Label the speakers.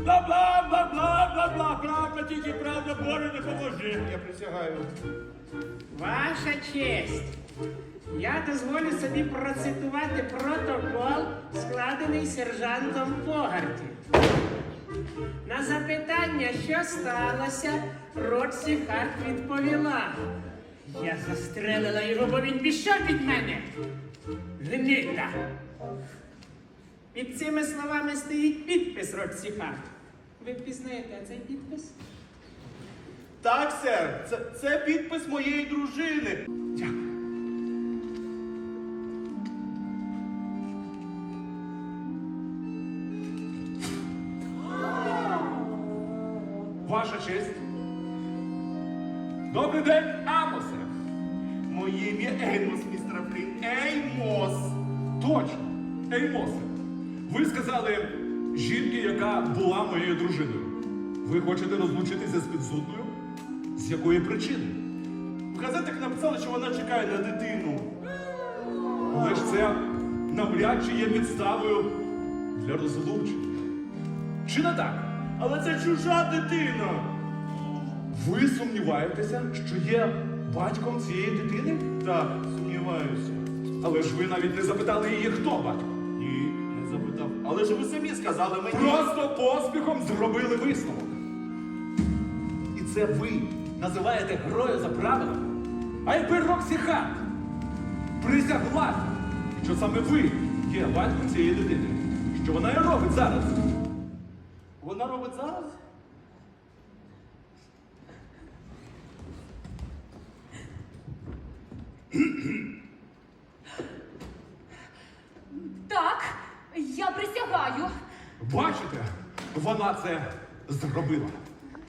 Speaker 1: Бла-бла-бла-бла-бла-бла. Правда, тільки правда, Боже, не поможи.
Speaker 2: Я присягаю.
Speaker 3: Ваша честь, я дозволю собі процитувати протокол, складений сержантом Погарті. На запитання, що сталося, Році Харт відповіла. Я застрелила його, бо він пішов від мене. Гнида. Під цими словами стоїть підпис Році Харт. Ви впізнаєте цей підпис?
Speaker 2: Так, сер, це підпис моєї дружини.
Speaker 3: Дякую.
Speaker 1: Ваша честь. Добрий день, Амосе.
Speaker 2: Моє ім'я Еймос, містер Флін. Еймос.
Speaker 1: Точно, Еймосе. Ви сказали жінки, яка була моєю дружиною. Ви хочете розлучитися з підсудною? З якої причини?
Speaker 2: В газетах написали, що вона чекає на дитину.
Speaker 1: Але ж це навряд чи є підставою для розлучення. Чи не так?
Speaker 2: Але це чужа дитина.
Speaker 1: Ви сумніваєтеся, що є батьком цієї дитини?
Speaker 2: Так, сумніваюся.
Speaker 1: Але ж ви навіть не запитали її, хто батько.
Speaker 2: Ні, не запитав. Але ж ви самі сказали мені.
Speaker 1: Просто поспіхом зробили висновок. І це ви називаєте грою за правилами? А якби Роксі Харт присяглася, що саме ви є батьком цієї дитини, що вона і робить зараз?
Speaker 2: Вона робить зараз?
Speaker 4: Так, я присягаю.
Speaker 1: Бачите, вона це зробила.